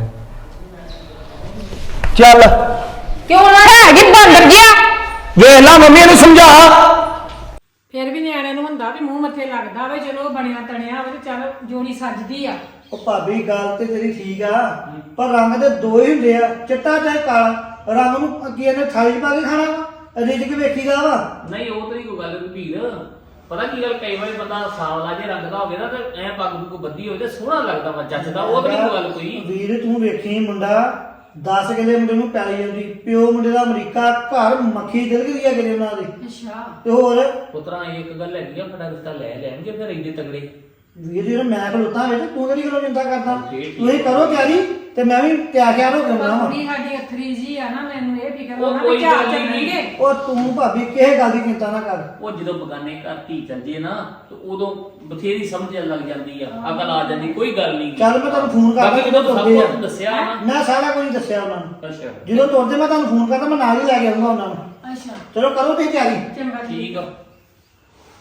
S6: ਚੱਲ
S3: ਕਿਉਂ ਨਾ ਹੈਗੀ ਬਾਂਦਰ ਜਿਹਾ।
S6: ਵੇਖ ਲਾ, ਮੰਮੀ ਨੂੰ ਸਮਝਾ।
S1: ਫਿਰ ਵੀ ਨਿਆਣਿਆਂ ਨੂੰ ਹੁੰਦਾ ਵੀ ਮੂੰਹ ਮੱਥੇ ਲੱਗਦਾ ਵੇ, ਚਲੋ ਬਣਿਆ ਤਣਿਆ ਹੋਵੇ ਤੇ ਚੱਲ ਜੋੜੀ ਸੱਜਦੀ ਆ।
S5: ਉਹ ਭਾਬੀ ਗੱਲ ਤੇ ਤੇਰੀ ਠੀਕ ਆ, ਪਰ ਰੰਗ ਦੇ ਦੋ ਹੀ ਹੁੰਦੇ ਆ, ਚਿੱਟਾ ਤੇ ਕਾਲਾ। ਰੰਗ ਨੂੰ ਕੀ ਇਹਨੇ ਥਾਲੀ 'ਚ ਪਾ ਕੇ ਖਾਣਾ ਵਾ, ਰਿਜਕ ਵੇਖੀਦਾ ਵਾ।
S2: ਨਹੀਂ ਉਹ ਤੇਰੀ ਕੋਈ ਗੱਲ ਨਹੀਂ ਵੀਰ। ਪਤਾ ਕੀ ਗੱਲ, ਕਈ ਵਾਰੀ ਬੰਦਾ ਸਾਵਲਾ ਜੇ ਰੰਗ ਦਾ ਹੋਵੇ ਨਾ ਤੇ ਐ ਪੱਗ ਪੁੱਗ ਬੱਧੀ ਹੋਵੇ ਤੇ ਸੋਹਣਾ ਲੱਗਦਾ ਵਾ, ਜੱਚਦਾ। ਉਹ ਤਾਂ ਨਹੀਂ ਕੋਈ ਗੱਲ ਕੋਈ।
S5: ਵੀਰ ਤੂੰ ਵੇਖੀ ਮੁੰਡਾ ਦਸ ਕਿਲੇ ਮੁੰਡੇ ਨੂੰ ਪੈਲੀ ਜਾਂਦੀ, ਪਿਓ ਮੁੰਡੇ ਦਾ ਅਮਰੀਕਾ, ਘਰ ਮੱਖੀ ਦਿਲਗਦੀ ਆ ਕਿਲੇ ਉਹਨਾਂ ਦੀ।
S1: ਅੱਛਾ।
S5: ਤੇ ਹੋਰ
S2: ਪੁੱਤਰਾ ਇੱਕ ਗੱਲ ਹੈਗੀ ਆ, ਸਾਡਾ ਰਿਸ਼ਤਾ ਲੈ ਲੈਣਗੇ ਫਿਰ ਇੰਨੇ ਤਗੜੇ।
S5: ਵੀਰ ਜੀ ਮੈਂ ਖਲੋਤਾ ਵੇ, ਤੂੰ ਕਿਹੜੀ ਗੱਲੋਂ ਚਿੰਤਾ ਕਰਦਾ?
S2: ਠੀਕ।
S5: ਤੁਸੀਂ ਕਰੋ ਤਿਆਰੀ ਤੇ ਮੈਂ ਵੀ ਤਿਆਰ ਤਿਆਰ ਹੋ ਕੇ
S1: ਪਰ
S5: ਆਉਣਾ।
S1: ਕੁੜੀ ਸਾਡੀ ਅਥਰੀ ਜੀ ਆ ਨਾ, ਮੈਨੂੰ ਇਹ ਫਿਕਰ
S2: ਉਹ
S1: ਹੋਣਾ
S2: ਕੋਈ
S1: ਵੀ ਚਾਰ
S2: ਗੱਲ ਨੀ।
S1: ਚੱਲਣਗੇ।
S5: ਉਹ ਤੂੰ ਭਾਬੀ ਕਿਸੇ ਗੱਲ ਦੀ ਚਿੰਤਾ ਨਾ ਕਰ।
S2: ਉਹ ਜਦੋਂ ਬਗਾਨੇ ਘਰ ਧੀ ਚੱਲ ਜੇ ਨਾ ਤੇ ਉਦੋਂ ਬਥੇਰੀ ਸਮਝ ਲੱਗ ਜਾਂਦੀ ਆ, ਅਕਲ ਆ ਜਾਂਦੀ, ਕੋਈ ਗੱਲ ਨਹੀਂ।
S5: ਚੱਲ ਮੈਂ ਤੁਹਾਨੂੰ ਫੋਨ ਕਰਦਾ
S2: ਬਾਕੀ ਜਦੋਂ
S5: ਜਦੋਂ
S2: ਸਭ
S5: ਤੁਰਦੇ ਆ।
S2: ਕੁਝ ਦੱਸਿਆ ਨਾ।
S5: ਮੈਂ ਸਾਰਾ ਕੁਝ ਦੱਸਿਆ ਉਹਨਾਂ ਨੂੰ।
S2: ਅੱਛਾ
S5: ਜਦੋਂ ਤੁਰਦੇ ਮੈਂ ਤੁਹਾਨੂੰ ਫੋਨ ਕਰਦਾ, ਮੈਂ ਨਾਲ ਹੀ ਲੈ ਕੇ ਆਉਂਗਾ ਉਹਨਾਂ ਨੂੰ।
S1: ਅੱਛਾ
S5: ਚਲੋ ਕਰੋ ਤੁਸੀਂ ਤਿਆਰੀ।
S1: ਚੰਗਾ
S2: ਠੀਕ ਆ।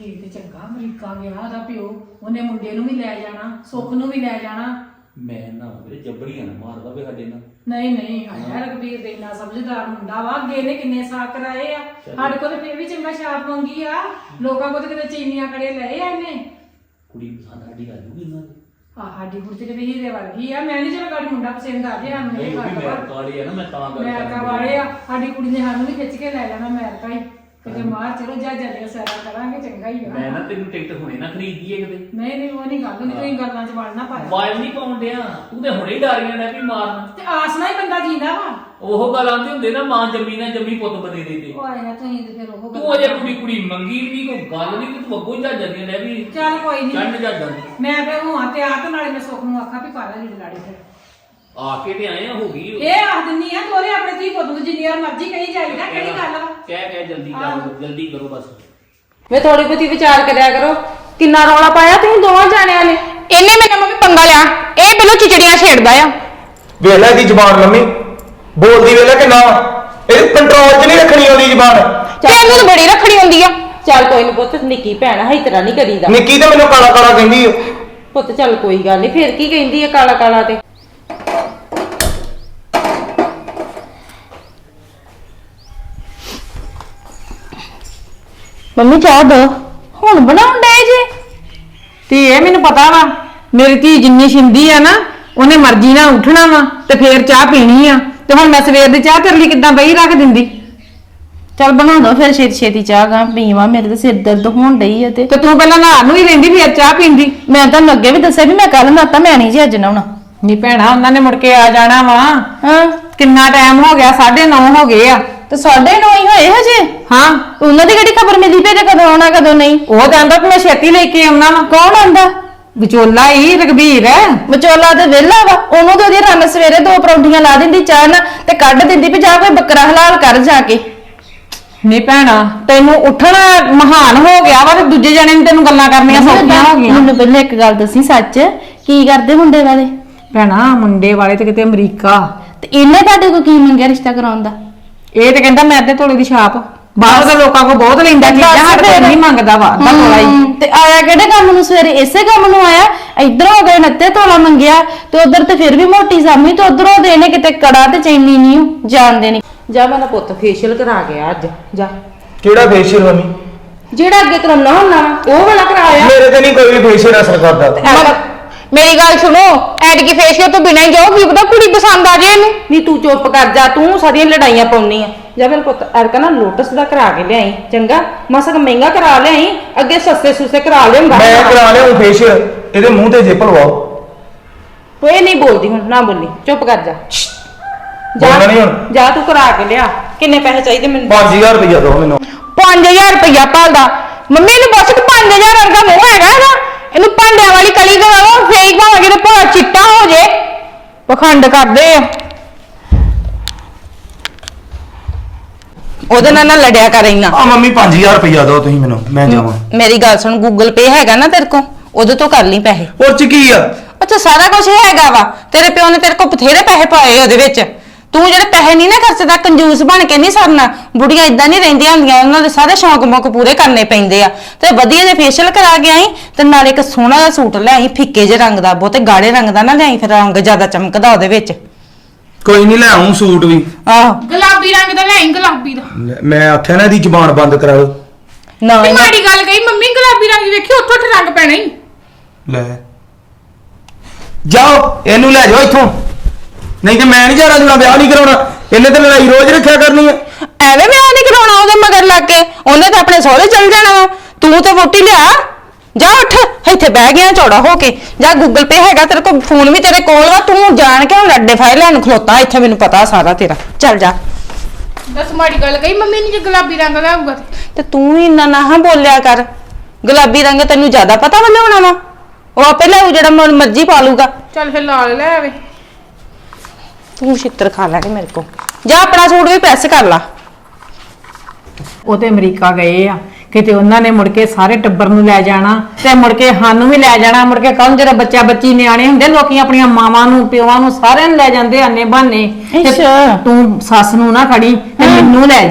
S1: ਠੀਕ ਤੇ ਚੰਗਾ ਅਮਰੀਕਾ ਗਿਆ ਉਹਦਾ ਪਿਓ, ਉਹਨੇ ਮੁੰਡੇ ਨੂੰ ਵੀ ਲੈ ਜਾਣਾ, ਸੁੱਖ ਨੂੰ ਵੀ ਲੈ ਜਾਣਾ।
S2: ਮੈਂ ਨਾ ਮੇਰੇ ਜੱਬੜੀਆਂ ਨਾ ਮਾਰਦਾ ਵੇ ਸਾਡੇ ਨਾਲ।
S1: ਨਹੀਂ ਨਹੀਂ ਆਇਆ ਰਘਬੀਰ ਦੇ ਇੰਨਾ ਸਮਝਦਾਰ ਮੁੰਡਾ ਵਾ, ਅੱਗੇ ਨੇ ਕਿੰਨੇ ਸਾਕ ਕਰਾਏ ਆ, ਸਾਡੇ ਕੋਲ ਤੇ ਫਿਰ ਵੀ ਚੰਗਾ ਛਾਪ ਮੰਗੀ ਆ, ਲੋਕਾਂ ਕੋਲ ਤੇ ਕਿਤੇ ਚੀਨੀਆਂ ਕੜੇ ਲਏ ਆ ਇਹਨੇ।
S2: ਕੁੜੀ ਪਸੰਦ ਸਾਡੀ ਆ ਜੂਗੀ ਇਹਨਾਂ ਦੀ।
S1: ਆ ਸਾਡੀ ਕੁੜੀ ਤੇ ਹੀਰੇ ਵਰਗੀ ਆ, ਮੈਂ ਨਹੀਂ ਚਲੋ ਗਾੜੀ ਮੁੰਡਾ ਪਸੰਦ ਆ ਜੇ ਸਾਨੂੰ
S2: ਨਹੀਂ
S1: ਇਹ
S2: ਉਹ ਵੀ
S1: ਗੱਲ
S2: ਮੈਂ
S1: ਵਾ।
S2: ਕਾਲੀ ਆ ਨਾ, ਮੈਂ ਤਾਂ ਗੱਲ
S1: ਅਮਰੀਕਾ ਵਾਲੇ ਆ, ਸਾਡੀ ਕੁੜੀ ਨੇ ਸਾਨੂੰ ਵੀ ਖਿੱਚ ਕੇ ਲੈ ਜਾਣਾ ਅਮਰੀਕਾ ਹੀ, ਕਿਤੇ ਮਾਰ ਚਲੋ ਜਾ ਜੱਲੇ ਸੈਰਾ ਕਰਾਂਗੇ, ਚੰਗਾ ਹੀ ਆ।
S2: ਮੈਂ ਨਾ ਤੈਨੂੰ ਟਿਕਟ ਹੁਣੇ ਨਾ ਖਰੀਦ ਦਈਏ ਕਿਤੇ।
S1: ਨਹੀਂ ਨਹੀਂ ਉਹ ਨਹੀਂ ਗੱਲ, ਨਹੀਂ ਤੁਸੀਂ ਗੱਲਾਂ 'ਚ ਵੜਨਾ ਪਾਇਆ।
S2: ਵਾਇਲ ਨਹੀਂ ਪਾਉਣ ਡਿਆ, ਤੂੰ ਤੇ ਹੁਣੇ ਹੀ ਡਾਰੀਆਂ ਡੈ ਵੀ ਮਾਰਨ।
S1: ਤੇ ਆਸ ਨਾਲ ਹੀ ਬੰਦਾ ਜੀਂਦਾ ਵਾ।
S2: ਉਹ ਗੱਲ ਆਂਦੇ ਹੁੰਦੇ ਨਾ, ਮਾਂ ਜੰਮੀ ਨਾ ਜੰਮੀ ਪੁੱਤ ਬਦੇ ਦੇ ਦੇ।
S1: ਉਹ ਆਇਆ ਤੁਸੀਂ ਤੇ ਫਿਰ ਉਹ
S2: ਤੂੰ ਅਜੇ ਕੁੜੀ ਕੁੜੀ ਮੰਗੀ ਵੀ ਨਹੀਂ, ਕੋਈ ਗੱਲ ਨਹੀਂ, ਤੂੰ ਅੱਗੋਂ ਹੀ ਜੱਜਾਂ ਦੀਆਂ ਲੈ ਵੀ
S1: ਚੱਲ ਕੋਈ ਨਹੀਂ,
S2: ਚੰਨ ਜੱਜਾਂ ਦੀ।
S1: ਮੈਂ ਫਿਰ ਹਾਂ ਤੇ ਆ ਤੇ ਨਾਲੇ ਮੈਂ ਸੁੱਖ ਨੂੰ ਆਖਾਂ ਵੀ ਪਾ ਲੈ ਲੀੜੇ ਲਾੜੇ ਫਿਰ।
S2: ਆ ਕੇ ਤੇ ਆਏ ਆ, ਹੋ ਗਈ ਉਹ।
S1: ਇਹ ਆਖ ਦਿੰਨੀ ਆ ਤੋਰੇ ਆਪਣੇ ਧੀ ਪੁੱਤ ਨੂੰ ਜਿੰਨੀ ਵਾਰ ਮਰਜ਼ੀ ਕਹੀ ਜਾਈਦਾ, ਕਿਹੜੀ ਗੱਲ ਵਾ।
S2: ਕਹਿ ਕਹਿ ਜਲਦੀ ਕਰੋ, ਜਲਦੀ ਕਰੋ ਬਸ।
S3: ਵੇ ਥੋੜੀ ਬਹੁਤੀ ਵਿਚਾਰ ਕਰਿਆ ਕਰੋ, ਕਿੰਨਾ ਰੌਲਾ ਪਾਇਆ ਤੁਸੀਂ ਦੋਵਾਂ ਜਾਣਿਆਂ ਨੇ।
S7: ਇਹਨੇ ਮੇਰੇ ਮੰਮੀ ਪੰਗਾ ਲਿਆ, ਇਹ ਪਹਿਲਾਂ ਚਿਚੜੀਆਂ ਛੇੜਦਾ ਆ।
S6: ਵੇਖ ਲੈ ਦੀ ਜ਼ਬਾਨ ਮੰਮੀ ਬੋਲਦੀ ਵੇਖ ਲੈ ਕਿੰਨਾ, ਇਹ ਕੰਟਰੋਲ 'ਚ ਨਹੀਂ ਰੱਖਣੀ ਆਉਂਦੀ ਜ਼ਬਾਨ।
S7: ਤੈਨੂੰ ਤਾਂ ਬੜੀ ਰੱਖਣੀ ਹੁੰਦੀ ਆ।
S3: ਚੱਲ ਕੋਈ ਨਹੀਂ ਪੁੱਤ, ਨਿੱਕੀ ਭੈਣ ਹੈ, ਇਸ ਤਰ੍ਹਾਂ ਨਹੀਂ ਕਰੀਦਾ।
S6: ਨਿੱਕੀ ਤਾਂ ਮੈਨੂੰ ਕਾਲਾ ਕਾਲਾ ਕਹਿੰਦੀ ਓ।
S3: ਪੁੱਤ ਚੱਲ ਕੋਈ ਗੱਲ ਨਹੀਂ, ਫਿਰ ਕੀ ਕਹਿੰਦੀ ਹੈ ਕਾਲਾ ਕਾਲਾ ਤੇ।
S7: ਮੰਮੀ ਚਾਹ ਦੋ, ਹੁਣ ਬਣਾਉਣ ਡਏ ਜੇ।
S1: ਤੇ ਇਹ ਮੈਨੂੰ ਪਤਾ ਵਾ, ਮੇਰੀ ਧੀ ਜਿੰਨੀ ਛਿੰਦੀ ਆ ਨਾ, ਉਹਨੇ ਮਰਜ਼ੀ ਨਾਲ ਉੱਠਣਾ ਵਾ ਤੇ ਫੇਰ ਚਾਹ ਪੀਣੀ ਆ, ਤੇ ਹੁਣ ਮੈਂ ਸਵੇਰ ਦੀ ਚਾਹ ਤੇਰੇ ਲਈ ਕਿੱਦਾਂ ਬਈ ਰੱਖ ਦਿੰਦੀ।
S7: ਚੱਲ ਬਣਾ ਦੋ ਫਿਰ ਛੇਤੀ ਛੇਤੀ ਚਾਹ ਗਾ ਪੀਵਾ, ਮੇਰੇ ਤਾਂ ਸਿਰ ਦਰਦ ਹੋਣ ਡਈ ਆ ਤੇ
S1: ਤੇ ਤੂੰ ਪਹਿਲਾਂ ਨਹਾ ਨੂੰ ਹੀ ਰਹਿੰਦੀ ਫੇਰ ਚਾਹ ਪੀਂਦੀ।
S7: ਮੈਂ ਤੁਹਾਨੂੰ ਅੱਗੇ ਵੀ ਦੱਸਿਆ ਵੀ ਮੈਂ ਕੱਲ ਨਾਤਾ, ਮੈਂ ਨਹੀਂ ਜੀ ਅੱਜ ਨਹਾਉਣਾ।
S1: ਨਹੀਂ ਭੈਣਾ, ਉਹਨਾਂ ਨੇ ਮੁੜ ਕੇ ਆ ਜਾਣਾ ਵਾ।
S7: ਹਾਂ
S1: ਕਿੰਨਾ ਟਾਈਮ ਹੋ ਗਿਆ, ਸਾਢੇ ਨੌ ਹੋ ਗਏ ਆ।
S7: ਤੇ ਸਾਢੇ ਨੌ ਹੀ ਹੋਏ ਹਜੇ।
S1: ਹਾਂ
S7: ਉਹਨਾਂ ਦੀ ਕਿਹੜੀ ਖਬਰ ਮਿਲੀ ਪਈ ਜੇ ਕਦੋਂ ਆਉਣਾ ਕਦੋਂ ਨਹੀਂ।
S1: ਉਹ ਕਹਿੰਦਾ ਕਿ ਮੈਂ ਛੇਤੀ ਲੈ ਕੇ ਆਉਣਾ ਵਾ।
S7: ਕੌਣ ਆਂਦਾ?
S1: ਵਿਚੋਲਾ ਹੀ ਰਘਬੀਰ ਹੈ।
S7: ਵਿਚੋਲਾ ਤੇ ਵਿਹਲਾ ਵਾ, ਉਹਨੂੰ ਤੇ ਉਹਦੀ ਰੰਨ ਸਵੇਰੇ ਦੋ ਪਰੌਂਠੀਆਂ ਲਾ ਦਿੰਦੀ ਚਾਹ ਨਾਲ ਤੇ ਕੱਢ ਦਿੰਦੀ ਵੀ ਜਾ ਕੋਈ ਬੱਕਰਾ ਹਲਾਲ ਕਰ ਜਾ ਕੇ।
S1: ਨਹੀਂ ਭੈਣਾ, ਤੈਨੂੰ ਉੱਠਣਾ ਮਹਾਨ ਹੋ ਗਿਆ ਵਾ ਤੇ ਦੂਜੇ ਜਣੇ ਨੂੰ ਤੈਨੂੰ ਗੱਲਾਂ ਕਰਨੀਆਂ ਸੌਖੀਆਂ ਹੋ ਗਈਆਂ।
S7: ਮੈਨੂੰ ਪਹਿਲਾਂ ਇੱਕ ਗੱਲ ਦੱਸੀ, ਸੱਚ ਕੀ ਕਰਦੇ ਮੁੰਡੇ ਵਾਲੇ?
S1: ਭੈਣਾ ਮੁੰਡੇ ਵਾਲੇ ਤੇ ਕਿਤੇ ਅਮਰੀਕਾ,
S7: ਤੇ ਇਹਨੇ ਤੁਹਾਡੇ ਕੋਲ ਕੀ ਮੰਗਿਆ ਰਿਸ਼ਤਾ ਕਰਾਉਣ ਦਾ?
S1: ਇਹ ਤੇ ਕਹਿੰਦਾ ਮੈਂ ਤੇ ਤੋਲੇ ਦੀ ਛਾਪ, ਬਾਹਰ ਦੇ ਲੋਕਾਂ ਕੋ ਬਹੁਤ ਲੈਂਦਾ ਚੀਜ਼ਾਂ, ਸਾਡੇ ਕੋਲ ਨਹੀਂ ਮੰਗਦਾ ਵਾ ਅੱਧਾ ਤੋਲਾ ਹੀ।
S7: ਹਮ, ਤੇ ਆਇਆ ਕਿਹੜੇ ਕੰਮ ਨੂੰ? ਸਵੇਰੇ ਇਸੇ ਕੰਮ ਨੂੰ ਆਇਆ। ਇੱਧਰ ਹੋ ਗਏ ਨੱਤੇ ਤੋਲਾ ਮੰਗਿਆ ਤੇ ਉਧਰ ਤੇ ਫਿਰ ਵੀ ਮੋਟੀ ਸਾਮੀ ਤੇ ਉਧਰੋਂ ਦੇ ਨੇ ਕਿਤੇ ਕੜਾ ਤੇ ਚੈਨੀ ਨਹੀਂ ਜਾਣਦੇ ਨਹੀਂ।
S3: ਜਾ ਮੇਰਾ ਪੁੱਤ ਫੇਸ਼ੀਅਲ ਕਰਾ ਗਿਆ ਅੱਜ, ਜਾ।
S6: ਕਿਹੜਾ ਫੇਸ਼ੀਅਲ ਮੰਮੀ?
S3: ਜਿਹੜਾ ਅੱਗੇ ਕਰਾਉਣਾ ਹੁੰਦਾ ਵਾ ਉਹ ਵਾਲਾ ਕਰਾਇਆ।
S6: ਮੇਰੇ ਤੇ ਨਹੀਂ ਕੋਈ ਵੀ ਫੇਸ਼ੀਅਲ ਅਸਰ ਕਰਦਾ।
S7: ਮੇਰੀ ਗੱਲ ਸੁਣੋ, ਐਤਕੀ ਫੇਸ਼ੀਅਲ ਤੋਂ ਬਿਨਾਂ ਹੀ ਜਾਓ, ਕੀ ਪਤਾ ਕੁੜੀ ਪਸੰਦ ਆ ਜੇ ਇਹਨੂੰ।
S3: ਨਹੀਂ ਤੂੰ ਚੁੱਪ ਕਰ ਜਾ, ਤੂੰ ਸਾਰੀਆਂ ਲੜਾਈਆਂ ਪਾਉਣੀ ਆ। ਜਾ ਮੇਰੇ ਪੁੱਤ ਐਰਕਾ ਨਾ ਲੋਟਸ ਦਾ ਕਰਾ ਕੇ ਲਿਆਈ, ਚੰਗਾ? ਮਸਕ ਮਹਿੰਗਾ ਕਰਾ ਲਿਆਈ, ਅੱਗੇ ਸਸਤੇ ਸੁਸਤੇ ਕਰਾ ਲਿਆਉਂਦਾ।
S6: ਮੈਂ ਕਰਾ ਲਿਆ ਫੇਸ਼ੀਅਲ, ਇਹਦੇ ਮੂੰਹ ਤੇ ਜਿੱਪ ਲਵਾਓ।
S3: ਕੋਈ ਨਹੀਂ ਬੋਲਦੀ ਹੁਣ, ਨਾ ਬੋਲੀ, ਚੁੱਪ ਕਰ ਜਾ।
S6: ਬੋਲਣਾ ਨਹੀਂ ਹੁਣ।
S3: ਜਾ ਤੂੰ ਕਰਾ ਕੇ ਲਿਆ। ਕਿੰਨੇ ਪੈਸੇ ਚਾਹੀਦੇ ਮੈਨੂੰ?
S6: ਪੰਜ ਹਜ਼ਾਰ ਰੁਪਇਆ ਦਿਓ ਮੈਨੂੰ।
S7: ਪੰਜ ਹਜ਼ਾਰ ਰੁਪਇਆ ਭਾਲਦਾ? ਮੰਮੀ ਨੂੰ ਪੁੱਛ ਕਿ ਪੰਜ ਹਜ਼ਾਰ ਵਰਗਾ ਮੂੰਹ ਹੈਗਾ ਇਹਦਾ? ਇਹਨੂੰ ਭਾਂਡਿਆਂ ਵਾਲੀ ਕਲੀ ਕਰਾਓ, ਫੇਕ ਭਾਵੇਂ ਕਿਤੇ ਭੋਰਾ ਚਿੱਟਾ ਹੋ ਜੇ। ਪਖੰਡ ਕਰਦੇ ਆ।
S3: ਉਹਦੇ ਨਾਲ ਨਾ ਲੜਿਆ ਕਰ ਇੰਨਾ।
S6: ਆ ਮੰਮੀ ਪੰਜ ਹਜ਼ਾਰ ਰੁਪਇਆ ਦਿਓ ਤੁਸੀਂ ਮੈਨੂੰ, ਮੈਂ ਜਾਵਾਂ।
S3: ਮੇਰੀ ਗੱਲ ਸੁਣ, ਗੂਗਲ ਪੇ ਹੈਗਾ ਨਾ ਤੇਰੇ ਕੋਲ? ਉਹਦੇ ਤੋਂ ਕਰ ਲਈ ਪੈਸੇ।
S6: ਉਹ ਚ ਕੀ ਆ?
S3: ਅੱਛਾ ਸਾਰਾ ਕੁਝ ਹੈਗਾ ਵਾ, ਤੇਰੇ ਪਿਓ ਨੇ ਤੇਰੇ ਕੋਲ ਬਥੇਰੇ ਪੈਸੇ ਪਾਏ ਉਹਦੇ ਵਿੱਚ। ਤੂੰ ਜਿਹੜੇ ਪੈਸੇ ਨਹੀਂ ਨਾ ਖਰਚਦਾ, ਕੰਜੂਸ ਬਣ ਕੇ ਨਹੀਂ ਸਰਨਾ। ਬੁੜੀਆਂ ਇਦਾਂ ਨਹੀਂ ਰਹਿੰਦੀਆਂ ਹੁੰਦੀਆਂ, ਉਹਨਾਂ ਦੇ ਸਾਰੇ ਸ਼ੌਂਕ ਮੌਕ ਪੂਰੇ ਕਰਨੇ ਪੈਂਦੇ ਆ। ਤੇ ਵਧੀਆ ਜਿਹਾ ਫੇਸ਼ੀਅਲ ਕਰਾ ਕੇ ਆਈ ਤੇ ਨਾਲੇ ਇੱਕ ਸੋਹਣਾ ਜਿਹਾ ਸੂਟ ਲੈ ਆਈ, ਫਿੱਕੇ ਜਿਹੇ ਰੰਗ ਦਾ, ਬਹੁਤੇ ਗਾੜੇ ਰੰਗ ਦਾ ਨਾ ਲਿਆਈ, ਫਿਰ ਰੰਗ ਜ਼ਿਆਦਾ ਚਮਕਦਾ ਉਹਦੇ ਵਿੱਚ।
S6: ਕੋਈ ਨਹੀਂ ਲੈ ਆਉਂ ਸੂਟ ਵੀ।
S3: ਆਹੋ
S8: ਗੁਲਾਬੀ ਰੰਗ ਦਾ ਲੈ ਗੁਲਾਬੀ ਦਾ।
S6: ਮੈਂ ਆਖਿਆ ਨਾ ਇਹਦੀ ਜ਼ਬਾਨ ਬੰਦ ਕਰਾ ਲਓ।
S3: ਨਾ
S8: ਤੇ
S3: ਇਹਨਾਂ-
S8: ਮਾੜੀ ਗੱਲ ਕਹੀ ਮੰਮੀ, ਗੁਲਾਬੀ ਰੰਗ ਵੇਖੀ ਉੱਥੋਂ ਉੱਠ ਰੰਗ ਪੈਣਾ ਹੀ।
S6: ਲੈ ਜਾਓ, ਇਹਨੂੰ ਲੈ ਜਾਓ ਇੱਥੋਂ, ਨਹੀਂ ਤੇ ਮੈਂ ਨਹੀਂ ਜਾਣਾ, ਜੁਣਾ ਵਿਆਹ ਨਹੀਂ ਕਰਾਉਣਾ। ਇਹਨੇ ਤੇ ਲੜਾਈ ਰੋਜ਼ ਰੱਖਿਆ ਕਰਨੀ ਹੈ।
S7: ਐਵੇਂ ਮੈਂ ਉਹ ਨਹੀਂ ਕਰਾਉਣਾ ਉਹਦੇ ਮਗਰ ਲੱਗ ਕੇ, ਉਹਨੇ ਤਾਂ ਆਪਣੇ ਸਹੁਰੇ ਚਲ ਜਾਣਾ ਵਾ। ਤੂੰ ਤੇ ਵੋਟੀ ਲਿਆ, ਜਾ ਉੱਠ, ਇੱਥੇ ਬਹਿ ਗਿਆ ਚੌੜਾ ਹੋ ਕੇ। ਜਾ ਗੂਗਲ ਪੇ ਹੈਗਾ ਤੇਰੇ ਕੋਲ, ਫੋਨ ਵੀ ਤੇਰੇ ਕੋਲ ਵਾ। ਤੂੰ ਜਾਣ ਕੇ ਹੁਣ ਅੱਡੇ ਫਾਇਲ ਲੈਣ ਖਲੋਤਾ ਇੱਥੇ, ਮੈਨੂੰ ਪਤਾ ਸਾਰਾ ਤੇਰਾ। ਚੱਲ ਜਾ।
S8: ਦੱਸ ਮਾੜੀ ਗੱਲ ਕਹੀ ਮੰਮੀ ਨੇ, ਜੇ ਗੁਲਾਬੀ ਰੰਗ ਲਿਆਊਗਾ ਤੇ।
S3: ਤੇ ਤੂੰ ਵੀ ਇੰਨਾ ਨਾ ਬੋਲਿਆ ਕਰ। ਗੁਲਾਬੀ ਰੰਗ ਤੈਨੂੰ ਜ਼ਿਆਦਾ ਪਤਾ ਵਾ ਲਿਆਉਣਾ ਵਾ, ਉਹ ਆਪੇ ਲਿਆਊ ਜਿਹੜਾ ਮਨ ਮਰਜ਼ੀ ਪਾ ਲੂਗਾ।
S8: ਚੱਲ ਫਿਰ ਲਾਲ ਲੈ ਆਵੇ।
S3: ਤੂੰ ਛਿੱਤਰ ਖਾ ਲੈਣੀ ਮੇਰੇ ਕੋਲ। ਜਾ ਆਪਣਾ ਸੂਟ ਵੀ ਪ੍ਰੈਸ ਕਰ ਲਾ।
S1: ਉਹ ਤੇ ਅਮਰੀਕਾ ਗਏ ਆ, ਕਿਤੇ ਉਹਨਾਂ ਨੇ ਮੁੜ ਕੇ ਸਾਰੇ ਟੱਬਰ ਨੂੰ ਲੈ ਜਾਣਾ ਤੇ ਮੁੜ ਕੇ ਸਾਨੂੰ ਵੀ ਲੈ ਜਾਣਾ। ਮੁੜ ਕੇ ਕੱਲ ਜਿਹੜਾ ਬੱਚਾ ਬੱਚੀ ਨਿਆਣੇ ਹੁੰਦੇ, ਲੋਕੀ ਆਪਣੀਆਂ ਮਾਵਾਂ ਨੂੰ ਪਿਓਾਂ ਨੂੰ ਸਾਰਿਆਂ ਨੂੰ ਲੈ ਜਾਂਦੇ ਆਨੇ ਬਹਾਨੇ। ਤੇ
S7: ਅੱਛਾ।
S1: ਤੂੰ ਸੱਸ ਨੂੰ ਨਾ ਖੜੀ ਤੇ ਮੈਨੂੰ ਲੈ ਜੀ।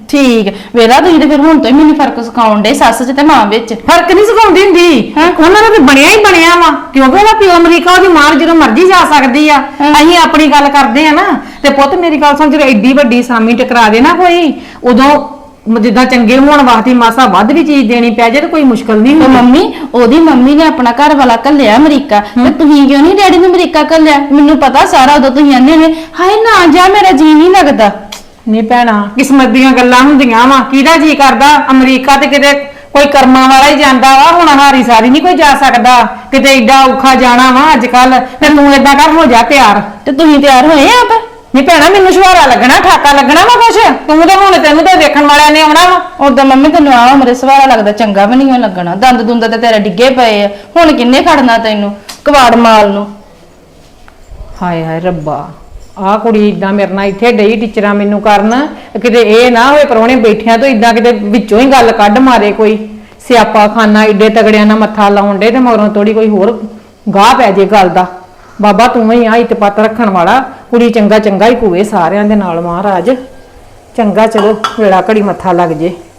S7: ਠੀਕ ਵੇਲਾ ਤੁਸੀਂ ਤੇ ਫਿਰ ਹੁਣ ਤੋਂ ਹੀ ਮੈਨੂੰ ਫਰਕ ਸਿਖਾਉਣ ਦੇ ਸੱਸ ਚ ਤੇ ਮਾਂ ਵਿੱਚ।
S1: ਫਰਕ ਨਹੀਂ ਸਿਖਾਉਂਦੀ ਹੁੰਦੀ, ਉਹਨਾਂ ਦਾ ਤੇ ਬਣਿਆ ਹੀ ਬਣਿਆ ਵਾ, ਕਿਉਂਕਿ ਉਹਦਾ ਪਿਓ ਅਮਰੀਕਾ, ਉਹਦੀ ਮਾਂ ਜਦੋਂ ਮਰਜ਼ੀ ਜਾ ਸਕਦੀ ਆ। ਅਸੀਂ ਆਪਣੀ ਗੱਲ ਕਰਦੇ ਆ ਨਾ, ਤੇ ਪੁੱਤ ਮੇਰੀ ਗੱਲ ਸੁਣ, ਜਦੋਂ ਐਡੀ ਵੱਡੀ ਸਾਮੀ ਟਕਰਾ ਦੇ ਨਾ ਕੋਈ, ਉਦੋਂ ਜਿੱਦਾਂ ਚੰਗੇ ਹੋਣ ਵਾਸਤੇ ਮਾਸਾ ਵੱਧ ਵੀ ਚੀਜ਼ ਦੇਣੀ ਪੈ ਜਾਏ ਤੇ ਕੋਈ ਮੁਸ਼ਕਲ ਨਹੀਂ
S7: ਤੇ
S1: ਹੁੰਦੀ।
S7: ਮੰਮੀ ਉਹਦੀ ਮੰਮੀ ਨੇ ਆਪਣਾ ਘਰ ਵਾਲਾ ਘੱਲਿਆ ਅਮਰੀਕਾ, ਤੇ ਤੁਸੀਂ ਕਿਉਂ ਨਹੀਂ ਡੈਡੀ ਨੂੰ ਅਮਰੀਕਾ ਘੱਲਿਆ? ਮੈਨੂੰ ਪਤਾ ਸਾਰਾ, ਉਦੋਂ ਤੁਸੀਂ ਆਨੇ ਨੇ ਹਾਏ ਨਾ ਜਾ, ਮੇਰਾ ਜੀ ਨਹੀਂ ਲੱਗਦਾ।
S1: ਨਹੀਂ ਭੈਣਾ, ਕਿਸਮਤ ਦੀਆਂ ਗੱਲਾਂ ਹੁੰਦੀਆਂ ਵਾ, ਕਿਹਦਾ ਜੀ ਕਰਦਾ ਅਮਰੀਕਾ ਤੇ ਕਿਤੇ ਕੋਈ ਕਰਮਾਂ ਵਾਲਾ ਹੀ ਜਾਂਦਾ ਵਾ, ਹੁਣ ਹਾਰੀ ਸਾਰੀ ਨਹੀਂ ਕੋਈ ਜਾ ਸਕਦਾ, ਕਿਤੇ ਏਡਾ ਔਖਾ ਜਾਣਾ ਵਾ ਅੱਜ ਕੱਲ। ਤੇ ਤੂੰ ਏਦਾਂ ਕਰ, ਹੋ ਜਾ ਤਿਆਰ।
S7: ਤੇ ਤੁਸੀਂ ਤਿਆਰ ਹੋਏ ਆਪ?
S1: ਨਹੀਂ ਭੈਣਾ, ਮੈਨੂੰ ਸ਼ਵਾਰਾ ਲੱਗਣਾ, ਠਾਕਾ ਲੱਗਣਾ ਵਾ ਕੁਛ, ਤੂੰ ਤਾਂ ਹੁਣ ਤੈਨੂੰ ਤਾਂ ਵੇਖਣ ਵਾਲਿਆਂ ਨੇ ਆਉਣਾ ਵਾ।
S7: ਉਦੋਂ ਮੰਮੀ ਤੈਨੂੰ ਆ ਉਮਰੇ ਸਵਾਰਾ ਲੱਗਦਾ, ਚੰਗਾ ਵੀ ਨਹੀਂ ਲੱਗਣਾ, ਦੰਦ ਦੁੰਦ ਤੇ ਤੇਰੇ ਡਿੱਗੇ ਪਏ ਆ, ਹੁਣ ਕਿੰਨੇ ਖੜਨਾ ਤੈਨੂੰ ਕਵਾੜ ਮਾਲ ਨੂੰ?
S1: ਹਾਏ ਹਾਏ ਰੱਬਾ, ਆਹ ਕੁੜੀ ਇਦਾਂ ਮੇਰੇ ਨਾਲ ਇੱਥੇ ਡਈ ਟੀਚਰਾਂ ਮੈਨੂੰ ਕਰਨ, ਕਿਤੇ ਇਹ ਨਾ ਹੋਏ ਪਰੋਣੇ ਬੈਠਿਆਂ ਤੋਂ ਇਦਾਂ ਕਿਤੇ ਵਿੱਚੋਂ ਹੀ ਗੱਲ ਕੱਢ ਮਾਰੇ, ਕੋਈ ਸਿਆਪਾ ਖਾਨਾ ਏਡੇ ਤਗੜਿਆਂ ਨਾਲ ਮੱਥਾ ਲਾਉਣ ਡੇ, ਤੇ ਮਗਰੋਂ ਥੋੜੀ ਕੋਈ ਹੋਰ ਗਾਹ ਪੈ ਜੇ ਗੱਲ ਦਾ। ਬਾਬਾ ਤੂੰ ਹੀ ਆ ਇਤਪਤ ਰੱਖਣ ਵਾਲਾ, ਕੁੜੀ ਚੰਗਾ ਚੰਗਾ ਹੀ ਕੂਏ ਸਾਰਿਆਂ ਦੇ ਨਾਲ, ਮਹਾਰਾਜ ਚੰਗਾ, ਚਲੋ ਵੇਲਾ ਘੜੀ ਮੱਥਾ ਲੱਗ ਜੇ।